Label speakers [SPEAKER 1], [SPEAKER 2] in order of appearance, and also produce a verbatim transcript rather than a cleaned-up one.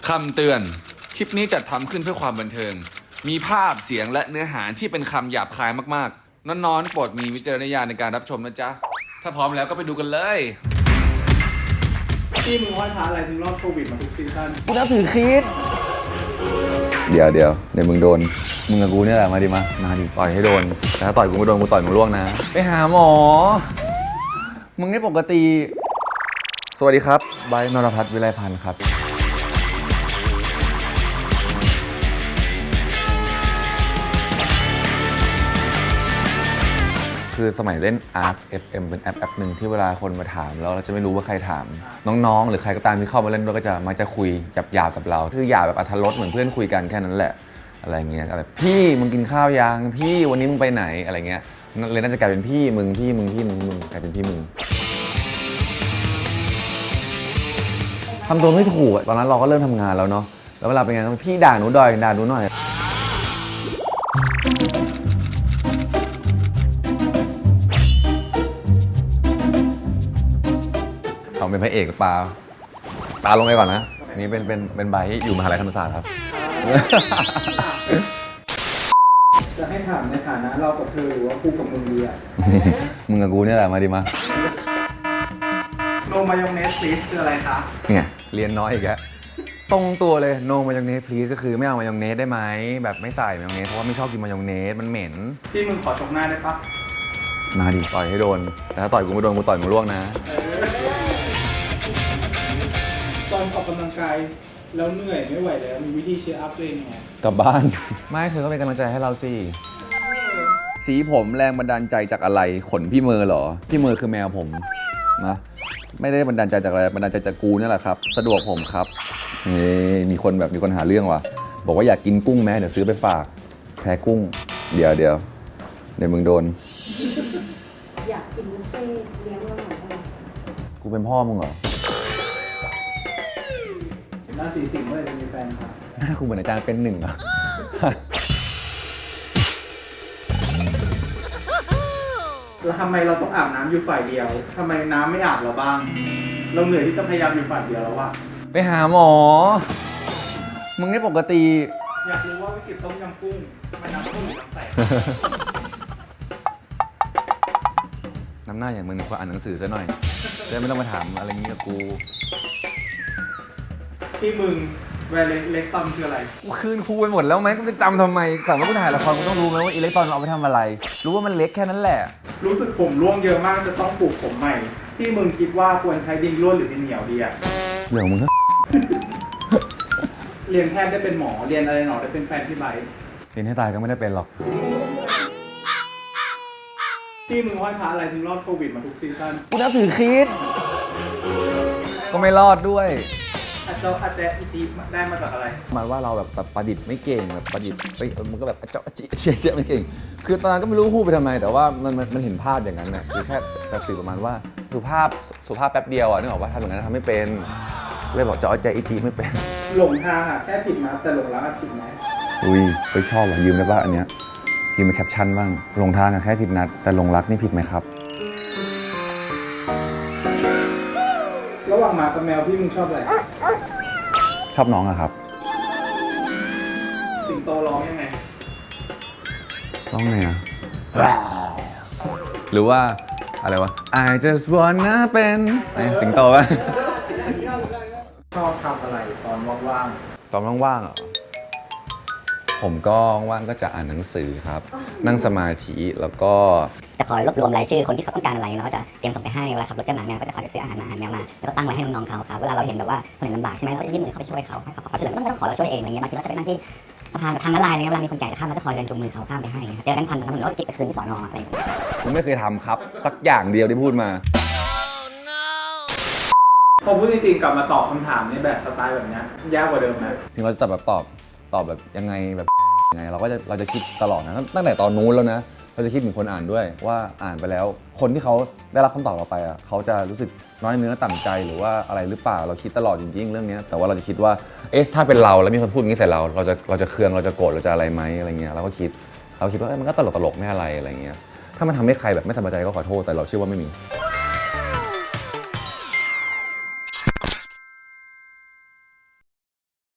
[SPEAKER 1] คำเตือนคลิปนี้จัดทำขึ้นเพื่อความบันเทิงมีภาพเสียงและเนื้อหาที่เป็นคำหยาบคายมากๆน้อนๆโปรดมีวิจารณญาณในการรับชมนะจ๊ะถ้าพร้อมแล้วก็ไปดูกันเลย
[SPEAKER 2] ที่มึงว่าท้าอะไรถึงรอดโควิดมาทุกซีซั่น
[SPEAKER 3] กูนับถือคริสเดี๋ยวเดี๋ยวเดี๋ยวมึงโดนมึงกับกูเนี่ยแหละมาดิมามาดิต่อยให้โดนแต่ถ้าต่อยกูไม่โดนกูต่อยมึงล่วงนะไปหาหมอมึงนี่ปกติสวัสดีครับไบร์ท นรพัฒน์ วิไลพันธ์ครับคือสมัยเล่น Arc เอฟ เอ็ม เป็นแอปแอปหนึ่งที่เวลาคนมาถามแล้วเราจะไม่รู้ว่าใครถามน้องๆหรือใครก็ตามที่เข้ามาเล่นด้วยก็จะมักจะคุยหยาบๆกับเราคือหยาบแบบอรรถรสเหมือนเพื่อนคุยกันแค่นั้นแหละอะไรเงี้ยอะไรพี่มึงกินข้าวยังพี่วันนี้มึงไปไหนอะไรเงี้ยเลยน่าจะกลายเป็นพี่มึงพี่มึงพี่มึงมึงกลายเป็นพี่มึงทำตัวไม่ถูกตอนนั้นเราก็เริ่มทำงานแล้วเนาะแล้วเวลาเป็นไงพี่ด่าหนูดอยด่าหนูหน่อยเอาเป็นพระเอกปลาปลาลงไปก่อนนะนี่เป็นเป็นเป็นใบที่อยู่มหาลัยธรรมศาสตร์ครับ
[SPEAKER 2] จะให้ถามในฐานะเรากับเธอหรือว่ากูกับมึงดีอ่ะ
[SPEAKER 3] มึงกับกูเนี่ยแหละมาดิมา
[SPEAKER 2] โนมายองเนสซีสคืออะไรคะ
[SPEAKER 3] เนี่ยเรียนน้อยอีกแล้วตรงตัวเลยโนมายองเนสพลีสก็คือไม่เอามายองเนสได้ไหมแบบไม่ใส่มายองเนสเพราะว่าไม่ชอบกินมายองเนสมันเหม็น
[SPEAKER 2] ที่มึงขอชกหน้าได้ปะ
[SPEAKER 3] มาดิต่อยให้โดนแต่ถ้าต่อยกูไม่โดนกูต่อยมึงล่วงนะ
[SPEAKER 2] ตอนออกกำลังกายแล้วเหนื่อยไม่ไหวแล้วมีวิธีเชียร์อัพตัวเองยังไง
[SPEAKER 3] กลับบ้าน ไม่เธอก็เป็นกำลังใจให้เราสิสีผมแรงบันดาลใจจากอะไรขนพี่เมอร์เหรอพี่เมอร์คือแมวผมนะไม่ได้บันดาลใจจากอะไรบันดาลใจจากกูนี่แหละครับสะดวกผมครับนี่มีคนแบบมีคนหาเรื่องว่ะบอกว่าอยากกินกุ้งแม่เดี๋ยวซื้อไปฝากแพ้กุ้งเดี๋ยวเดี๋ยวเดี๋ยวมึงโดน
[SPEAKER 4] อยากกินบุฟเฟ่ต์เลี้ยงเราหน่อยได้ไหม
[SPEAKER 3] กูเป็นพ่อมึงเหรอ
[SPEAKER 2] หน้าสีสิงเมื่อไหร่จะมีแฟนครับ
[SPEAKER 3] หน้ากูเหมือนอาจารย์เป็นหนึ่งเหรอ
[SPEAKER 2] แล้วทำไมเราต้องอาบน้ำอยู่ฝ่ายเดียวทำไมน้ำไม่อาบเราบ้าง เราเหนื่อยที่จะพยายามอยู่ฝ่ายเดียวแล้วอะ
[SPEAKER 3] ไปหาหมอมึงนี่ปกติ
[SPEAKER 2] อยากรู้ว่าวิกฤตต้มยำกุ้งมันน้ำกุ้งหรือน้ำใส
[SPEAKER 3] น้ำหน้าอย่างมึงก็อ่านหนังสือซะหน่อยจะได้ไม่ต้องมาถามอะไรงี้กับกู
[SPEAKER 2] ที่มึงแวร์เล็กตอมคืออะไร
[SPEAKER 3] กูคืนครูไปหมดแล้วไหมกูจะจำทำไมแต่ว่ากูถ่ายละครกูต้องรู้ไหมว่าอิเล็กตรอนเอาไปทำอะไรรู้ว่ามันเล็กแค่นั้นแหละ
[SPEAKER 2] รู้สึกผมร่วงเยอะมากจะต้องปลูกผมใหม่ ที่มึงคิดว่าควรใช้ดินร่วนหรือดินเหนียวดีอะ
[SPEAKER 3] เรื่องของมึง
[SPEAKER 2] เรียนแพทย์ได้เป็นหมอเรียนอะไรหนอได้เป็นแฟนพี่ไบค์
[SPEAKER 3] เรียนให้ตายก็ไม่ได้เป็นหรอก
[SPEAKER 2] ที่มึงห้อยพระอะไรถึงรอดโควิดมาทุกซีซั่น
[SPEAKER 3] กูนับถือคริสก็ไม่รอดด้วย
[SPEAKER 2] อาจจะอาจจะอีจีได้มาจากอะไร
[SPEAKER 3] หมายว่าเราแบบแบบประดิษฐ์ไม่เก่งแบบประดิษฐ์ไปเออมันก็แบบเจาะจิเชี่ยเชี่ยไม่เก่งคือตอนนั้นก็ไม่รู้พูดไปทำไมแต่ว่ามันมันมันเห็นภาพอย่างนั้นน่ะคือแค่จะสื่อประมาณว่าสุภาพสุภาพแป๊บเดียวอ่ะนึกออกว่าทำอย่างนั้นทำไม่เป็นเลยบอกเจาะใจอีจีไม่เป็น
[SPEAKER 2] หลงทางอ่ะแค่ผิดนะแต่หลงรักอะผิดไหม
[SPEAKER 3] อุ้ยไปชอบว่ะยืมได้ป่ะอันเนี้ยยืมเป็นแคปชั่นบ้างหลงทางอะแค่ผิดนัดแต่หลงรักนี่ผิดไหมครับ
[SPEAKER 2] ระหว่างหมากับแมวพี่มึงชอบอะไร
[SPEAKER 3] ชอบน้องอะครับ
[SPEAKER 2] สิงโตร้องยังไง
[SPEAKER 3] ต้องไงอะหรือว่าอะไรวะ I just wanna เป็นไอ้สิงโตวะ
[SPEAKER 2] ชอบทำอะไรตอนว่าง
[SPEAKER 3] ตอนว่างๆเหรอผมก็ว่างก็จะอ่านหนังสือครับ นั่งสมาธิแล้วก็
[SPEAKER 5] จะคอยรวบรวมรายชื่อคนที่เขาต้องการอะไรเราก็จะเตรียมส่งไปให้เวลาขับรถเจ้าหมาแมวก็จะคอยไปซื้ออาหารมาอาหารแมวมาแล้วก็ตั้งไว้ให้น้องๆเขาครับเวลาเราเห็นแบบว่าคนอื่นลำบากใช่ไหมเราก็ยื่นมือเข้าไปช่วยเขาให้เขาขอช่วยเหลือไม่ต้องขอเราช่วยเองอะไรเงี้ยบางทีเราจะไปนั่งที่สะพานแบบทางม้าลายอะไรเงี้ยเวลามีคนแก่จะข้ามเราจะคอยเดินจูงมือเขาข้ามไปให้เจอกันพันแล้วมันก็เก็บไปคืนที่สอนออะไรอย่างเงี้ย
[SPEAKER 3] ผมไม่เคยทำครับสักอย่างเดียวที่พูดมา
[SPEAKER 2] ๆพอพูดจริงๆกลับมาตอบคำถามในแบบสไตล์แบบนี้ยากกว่าเดิมนะ
[SPEAKER 3] ถึงเราจะแบบตอบตอบแบบยังไงแบบยังไงเราก็จะเราจะคิดตลอดนะตั้งแต่ตอนนู้นแล้วนะเราจะคิดถึงคนอ่านด้วยว่าอ่านไปแล้ว คนที่เขาได้รับคำตอบเราไปอ่ะเขาจะรู้สึกน้อยเนื้อต่ำใจหรือว่าอะไรหรือเปล่าเราคิดตลอดจริงๆเรื่องนี้แต่ว่าเราจะคิดว่าเอ๊ะถ้าเป็นเราแล้วมีคนพูดอย่างนี้ใส่เราเราจะเราจะเคืองเราจะโกรธเราจะอะไรไหมอะไรเงี้ยเราก็คิดเราคิดว่ามันก็ตลกตลกไม่อะไรอะไรเงี้ยถ้ามันทำให้ใครแบบไม่สบายใจก็ขอโทษแต่เราเชื่อว่าไม่มี